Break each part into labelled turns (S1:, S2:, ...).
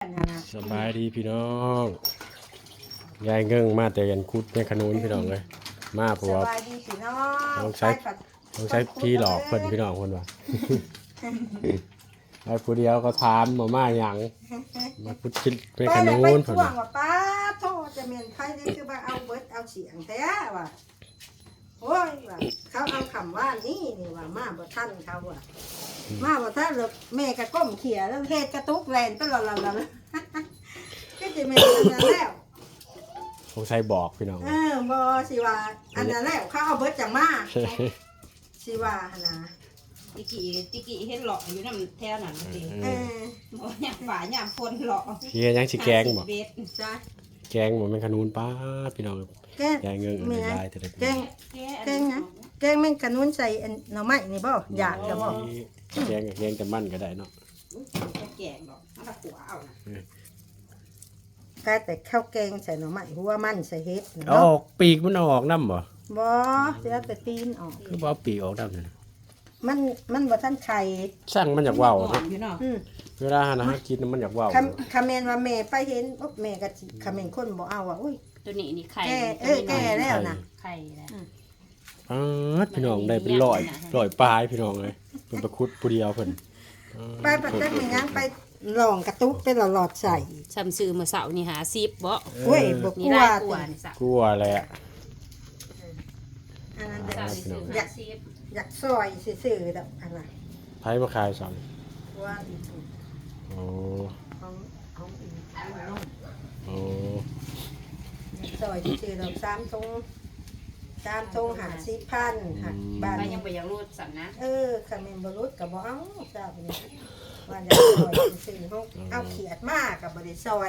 S1: นะ
S2: สบายดีพี่น้องยายเงิ่งมาแต่ยันคุดในขนุนพี่น้องเลยมาเพราะว่า
S1: สบายดีพี่น้อง
S2: ต้องใช้พี่หลอกเพิ่นพี่น้องคนว่าไอ้ผู้เดียวก็ถามมาหยังมาคุดคิดในขนุน
S1: ไป
S2: เพิ่น
S1: ช่วงว่าป้าโทษจะเมียนไพ่นี่คือว่าเอาเบิดเอาเสียงแท้ว่ะโอ้ยว่ะเขาเอาคำว่านี่ว่ามาบ่ทันเขาว่ะมาบ่ทันแล้วแม่ก็ก้มเขี่ยแล้วเฮ็ดกระตุกแลนไปหล่อๆๆก็จะแม่นอันนั้นแล้ว
S2: สงสัยบอกพี่น้อง
S1: บ่สิว่าอันนั้นแล้วเขาเอาเบิดจังมาสิว่าหั่นนะ
S3: จิกี้เห็นหลอกอยู่น้ำแถวนั้นสิ
S1: เออ
S3: โอ้ยามฝ่ายามคนหลอก
S2: เฮียยังสิแกงบ่
S3: เบ็ด
S1: จ้ะ
S2: แกงบ่แม่นขนุนป้าพี่น้อง
S1: แกง
S2: ยายเงิ่ง
S1: แม่
S2: ได้แต่ละ
S1: แกงแกงนะแกงแม่งกระนุนใส่อันหน่อไม้นี่บ่อยากจะบ่
S2: แกงกับแกงแต่มันก็ได้เนาะ
S3: จะแกงหรอกมันตะขัวเอานะ
S1: กลายแต่ข้าวแกงใส่หน่อไม้หัวมันใส่เฮ็ด
S2: อ
S1: เนาะ
S2: อกปีกมันเอาออกนำบ่
S1: บ่เดี๋ยวแต่ตีนออก
S2: คือบ่เอาปีกออกนำนั่น
S1: มันบ่ทันไข่
S2: สั่งมันอยากเว้า
S3: หอ
S2: เนาะ
S3: มอยู่เนาะ
S2: เวลาหาอาหารกินมันอยากเว้า
S1: คำแม่นว่าแม่ไปเห็นโอ๊ะแม่ก็สิคำแม่นคนบ่เอาอ่ะอุ้ย
S3: ตัวนี้นี่ไข่
S1: แก่แล้วนะ
S3: ไข่แล้ว
S2: พี่น้องได้เป็นร้อยปลายพี่น้องเลยเป็นประคุดผู้เดียวเพิ่น
S1: ไปปัดจักมีหยังไปลองกระตุกไปหลอดใส่
S3: ซ้ำซื้อมื้อเช้านี่หา10บ่
S1: โอ้ยบ่ก
S3: นี่
S1: ลัว
S3: ได้ก
S1: ติ
S3: ว่านี่สัก
S2: กลัวแหละ
S1: อันนั้น
S3: เช้า
S1: เด้อ
S3: นี่ซื้อหา10
S1: อยากซอยซื่อๆดอกอันน่ะ
S2: ไผมาขายสั่ง
S1: ว่าอีก
S2: โอ้
S1: ของอีกน้อง
S2: โอ้
S1: ซอยซื่อๆดอก3ทง50,000หักบ้าน
S3: ไปยังบ่อยากรู้สั่นนะ
S1: คำเมนบรุษกับบ่เอาทราบนี่ว่าจะซอยซื่อๆเฮาเอาเขียดมากกับบ่ได้ซอย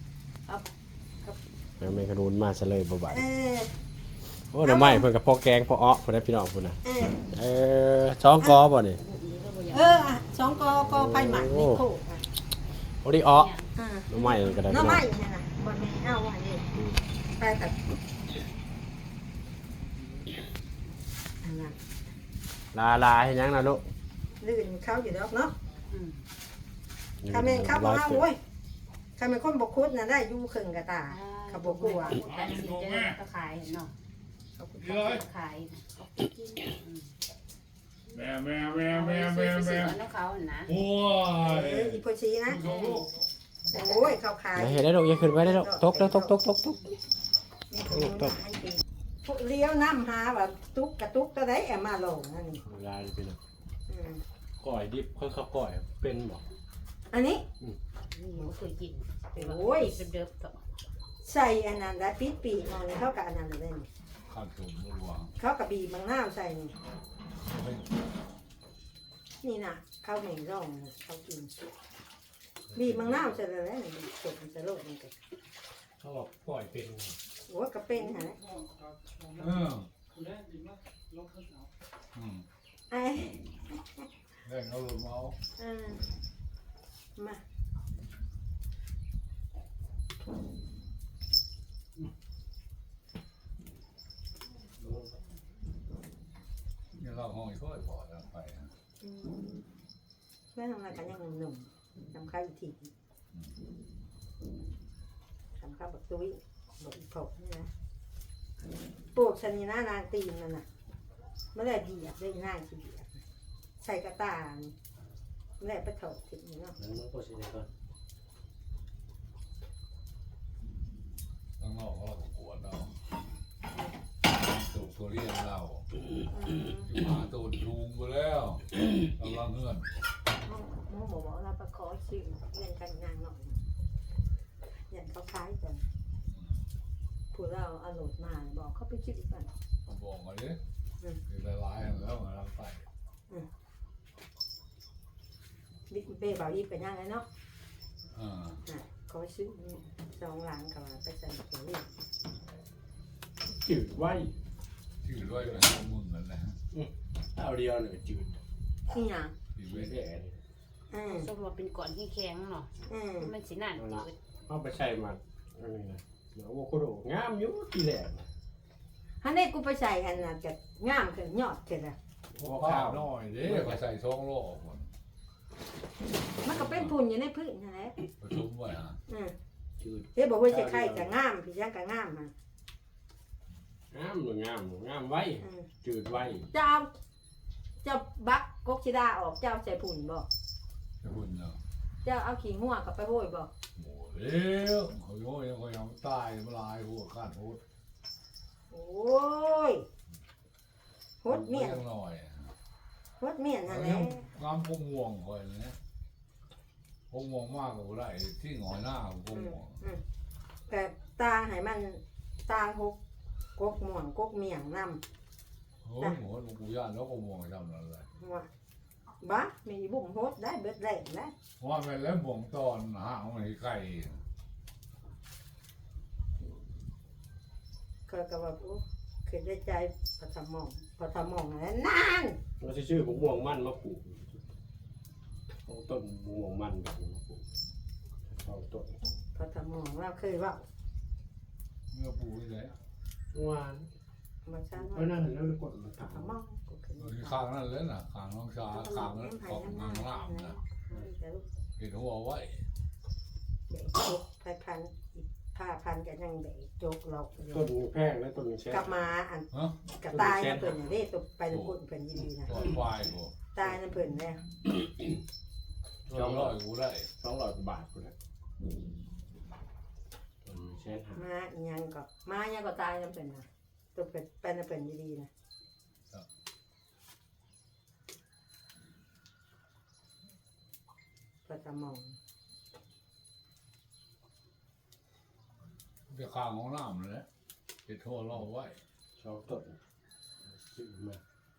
S2: แล้วแม่ขนุนมาซะเลยบ่บาด
S1: เออ
S2: โอ้หน่อไม้เพิ่นก็พอแกงพออ้อเพิ่นได้พี่น้องพุ่นน่ะ
S1: เออ
S2: สองกอบ่นี่
S1: สองกอไฟหมักนี่โคกอ่ะ
S2: โอ้ดิอ้อ
S1: อ่า
S2: หน่อไม้ก็ได้
S1: น้อ
S2: พี่น้อง
S1: ไม้เนี่ยนะบ่แม่เอาอันนี้ไปตัดอันนั้น
S2: ลาเฮ็ดหยังน่ะลูก
S1: ลื่นเขาอยู่ดอกเนาะ
S3: อืม
S1: คำเมนเขาบ่เอาโว้ยคำเมนคนบ่คุดน่ะได้อยู่ครึ่งกะตาเขาบ่กลัว
S3: การสิเจอก็ขายเนาะ
S1: เขาคุด
S3: ขาย
S4: แม่
S3: ซื้อน้ำเขานะ
S4: โอ้ย
S1: อีโพชีนะโอ้ยเขาขาย
S2: เฮ็ดได้ลูกอย่าขึ้นไปได้ลูกตกแล้วตก
S1: มีคนรู้นะให้ปีพวกเลี้ยวน้ำหาว่าตุ๊กกระตุกตัวใดแอบมาลงนั่นนี่
S2: ลาพี่น้อง
S1: อืม
S2: ก้อยดิบเขาก้อยเป็นบ่
S1: อันนี้
S3: นี่บ่เคยกิน
S1: โอ้ย
S3: เดิมๆต่อ
S1: ใส่อันนั้นได้ปิดปีกมันเขากับอันนั้นเลยนี่
S4: ข้าวตุ่มรัว
S1: เขากับบีบางน้าวใส่นี่นี่นะเขาไม่ร่องนะเขากินบีบบางน้าวใส่เลยนะนี่สดมันจะโลดมันกัน
S2: เขาบอกก้อยเป็น
S1: โอ้ยกระเป็นฮะ ไอ้
S4: แรงเอาลงเมา
S1: เออมา
S4: เนี่ยเราห้องอีกค่อยพอแล้วไป
S1: เพื่อนทำอะไรกันยังหนุ่มทำข้าวอีกทีทำข้าวแบบตุ้ยแบบอีกผกนี่นะปลูกชนิดหน้านางตีนมันน่ะเมื่อไรเบียดได้ง่ายทีเดียวใส่กระตาเมื่อไรไปถกถึงเนาะ
S2: นั้นมันก็สิได้ก่อน
S4: ต้องนอกเราปวดเราตูดตัวเรียนเราหมาตูดลุงไปแล้วกำลังเงื่อน
S1: หมอบอกเราไปขอซื้อเงินกันงานหน่อยอย่างเขาคล้ายกันผู้เราเอาโหลดมาบอกเขาไปซื้อกัน
S4: บอกมาดิคือละลายแล้วมาทำไป
S1: บิ๊กเบ้บ่าวยิบกันยังไงเนาะ
S4: อ่า
S1: ขอซื้อสองหลังกับไปใส่ตัวนี้
S2: จืดไว้
S4: ชื่อด้วยกันมึงนั่นแหละ
S2: เอาเดียวหนึ่งจืด
S1: นี่ยัง
S4: ที่
S2: ไม่
S4: เว้น
S2: แก่
S3: สมมติเป็นก่อนที่แข็งเนาะมันสินั่นจืด
S2: เอาไปใส่มันอันนี้นะเดี๋ยวโอ้โหงามอยู่ทีแรก
S1: ฮันนี่กูไปใส่อันน่ะจะงามขึ้นยอดขึ้นอ่ะ
S4: พอข้าวน้อยดิก็ใส่ช่องโลกหมด
S1: มันก็เป็นพุ่นอยู่ในพื้นนั่นแหละ
S4: ประชุมไว้ฮะ
S2: จืด
S1: เฮ้ยบอกว่าจะไข่จะงามพี่ยังก็งามฮะ
S2: งามหรืองามงามไว้จืดไว้
S1: เจ้าบักกกชิดาออกเจ้าใส่ผุ่นบ่
S4: จะหุ่นเนาะ
S1: เจ้าเอาขี้หัวกับไปโห้ยบ่
S4: โอ้เลี้ยวเขาโยยังเขายังตายมาลายหัวขาดโหด
S1: โอ้ยโหดเมียน
S4: ยังหน่อย
S1: โหดเมียนนั่นแหละ
S4: งามพงห่วงคอยนะพงห่วงมากกว่าไรที่หงอยหน้าพงห่วง
S1: แต่ตาให้มันตาหกกกม่วงกกเมียงนำ
S4: โอ้ยหัวหลวงปู่ย่าแล้วก็ห่วงจำนั่นแหละ
S1: หัวบ้ามีบุ่มโหดได้เบิดแรงได้
S4: เพราะว่าเป็นแล้วบ่งตอนหาของไอ้ไก่
S1: ก็ว่าโอ้คือได้ใจพอทำมองแล้วนาน
S2: เราจะชื่อม่วงมันมาปลูกเอาต้นม่วงมันแบบนี้มาปลูกเอาต้น
S1: พอทำมองเราเคยว่า
S4: เมื่อปู่นี่แหละ
S2: หวาน
S1: มาช้า
S2: เพราะนั่นแล้วกดมา
S1: พอ
S2: ถาม
S1: ทำมองก็คือ
S4: ที่ข้างนั่นเลยน่ะข้างน้องชาข้างนั้นของนางรามนะเห็นหัวไว้
S1: เด็กจกไปพันผ้าพันกันยังเด็กจกหลอกอยู่
S2: ต้นแพงและต้นแช่
S1: กลับมาอัน
S4: ฮะ
S1: กระตายนะเพิ่นอย่างนี้ตกไปน้ำพุ่นเพิ่นยินดีนะ
S4: ตอนควายบ่
S1: ตายน้ำเพิ่นแล้ว
S4: จำร้อยกูได้
S2: 200 บาทกูนะต้นแช่หา
S1: มาอีหยังก็ตายน้ำเพิ่นนะตกไปน้ำเพิ่นยินดีนะพอทำมอง
S4: จะข้างของน้ำเลยเห็นหัวเราไว้
S2: 2ต้นซื้อมา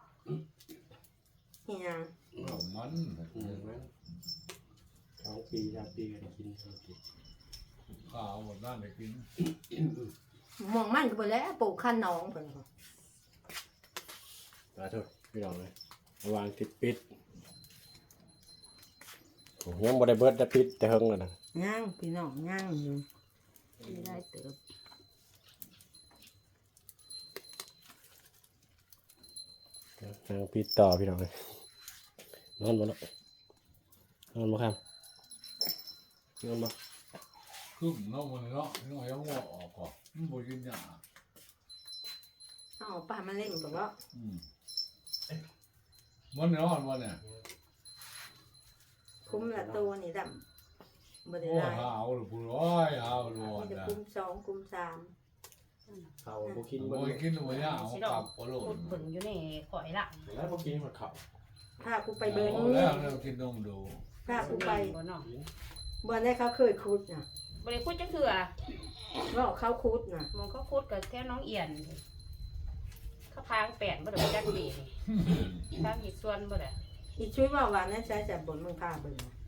S1: อีหยัง
S4: มัน
S2: นั้น2 ปี3 ปีกันกิน2 ปี
S4: ข้าวหมดนั่นเลยกิน
S1: มองมันก็บ่แล้วปลูกขั้นน้องเพิ่นก็
S2: ขอโทษพี่น้องเลยระวังติดปิดโอ้ยังบ่ได้เบิดแต่ปิดแต่เฮิงแล้วนะ
S1: ย่างพี่น้องย่างอยู่ไม่ได้เติบ
S2: นางปิดต่อพี่น้องเลยนอนบ่เนาะนอนบ่ครับนอนบ่
S4: ขึ้นเนาะมันเนาะน้อยยังหัวออกก่อนมันบ่กินหยา
S1: เอาป้ามาเล่นกับว่า
S4: มันนอนมันเนี่ย
S1: คุ้มละตัวนี่ดำบ่ได้
S4: โอ้
S1: หลาย
S4: หาวหรือผู้ร้อยหาวร้อน
S1: มีแต่
S4: นะ
S1: คุ้มสองคุ้มสาม
S2: เขาบ่กิน
S4: บ่
S2: บ่
S4: กินหัวยาเอากลับก็โล
S3: พู
S4: ด
S3: ดเบิ่งอยู่ในข่อยละ
S2: แล้วบ่กินมันเขา
S1: พากูไปเบิ้ง
S4: แล้วเรากินนมดู
S1: พากูไป
S3: บ่เนาะ
S1: บ่ได้เขาเคยคุดน่ะ
S3: บ่ได้คุดจังเถื่อ
S1: ว่าเขาคุดน่ะ
S3: มองเขาคุดกับแค่น้องเอียนเขาพางแปดบ่ได้จักดีนี่ทางอีกส่วนบ่ได้
S1: อีช่วยว่าว่านั่นใช้แต่บนมึงพาเบิ่งน่ะ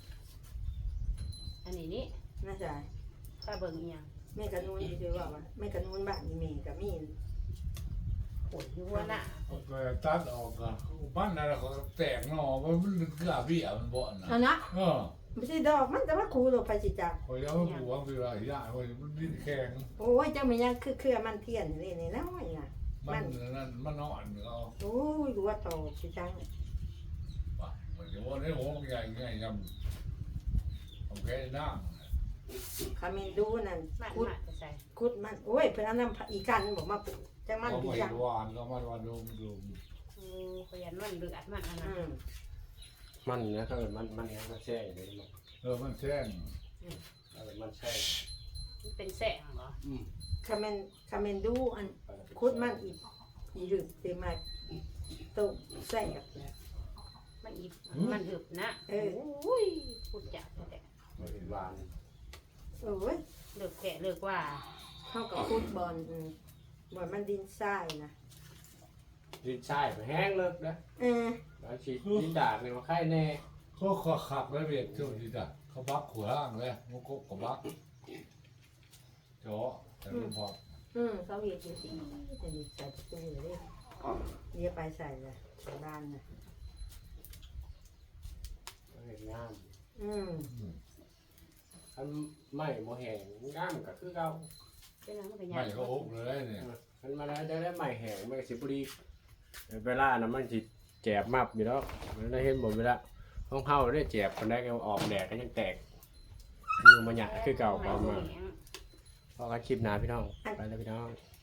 S3: อันนี้นี่
S1: น่าจะ
S3: ถ้าเบิ่งอีหยัง
S1: แม่กระนูนอีช่วยว่าแม่กระนูนบ้านนี่แม่ก็มี
S3: โอ้ยอยู่หัวหน้า
S4: ก็ตัดออกกันบ้านนั่นก็แตกหน่อมันเกลือเบี้ยมันบ่นะ
S1: เอานะ
S4: เออ
S1: ไม่ใช่ดอกมันแต่ว่าครูลงไปสิจ้ะ
S4: คอยเอาหัวคืออะไรยาคอยมันดิ้นแข็ง
S1: โอ้ยเจ้าไม่ยังคือมันเทียนนี่นี่น้อยน่ะ
S4: มันนั่นมันนอนเขา
S1: โอ้ยดูว่าโตสิจัง
S4: ป่ะมันจะว่าในหัวมันใหญ่ใหญ่ยำผมแค่นั่ง
S1: คาเมนดูนั่น
S3: มัน
S1: คุด
S3: มาจะใส่
S1: คุดมันโอ้ยเพิ่นเอาน้ำอีกันบอกมาปลูกจังมัน
S4: เขา
S1: ดี
S4: ไม่
S1: จัง
S4: หวานก็มันวันดู
S3: ขยันมันเลือดมันอันนั้น
S2: มันนะถ้าเกิดมันยังมาแช่อยู่เลยมัน
S4: มันแช่ง
S2: ถ้าเกิดมันแช่
S3: มันเป็นแสงเหรอ
S1: คาเมนดูอันคุดมันอีหรึบเต็มมาต้มแซ่บ
S3: มันอีมันหึบนะโอ้ยพูดจักแต่
S2: มันเป็นหวาน
S1: โอ้ย
S3: เลิกแก่เลิกว่า
S1: เข้ากับคุดบอลบอลมันดินทรายนะ
S2: ดินทรายมันแห้งเลิกนะ แล้วฉีดดินดาดเนี่ยมาไข่แน่
S4: เขาขับแล้วเบียดช่วงนี้จ้ะเขาบักขวาล่างเลยมันก็กบักจ่อแต่ไม่พอ
S1: เขาเห็ดอยู่สิแต่นี่ใส่ประตูเลยเรียกไปใส่เลยใส่บ้านนะ
S2: มันเห็นงาม อันไม่โมแห้งงามก็คือเก่า
S3: เป็นอะไรมันก็
S4: ไม่
S3: ยาก
S4: ก็อุกเลยเนี่ย
S2: มันมาแล้วจะได้ไม่แห้งมันก็สิบุรีเวลานะมันสิแจบมับอยู่แล้วมันได้เห็นหมดเวลาห้องเฮาได้แจบคนได้ก็ออกแดดก็ยังแตกอยู่มาหยะคือเก่าเบามาพอกันคลิปหน้าพี่น้องไปแล้วพี่น้อง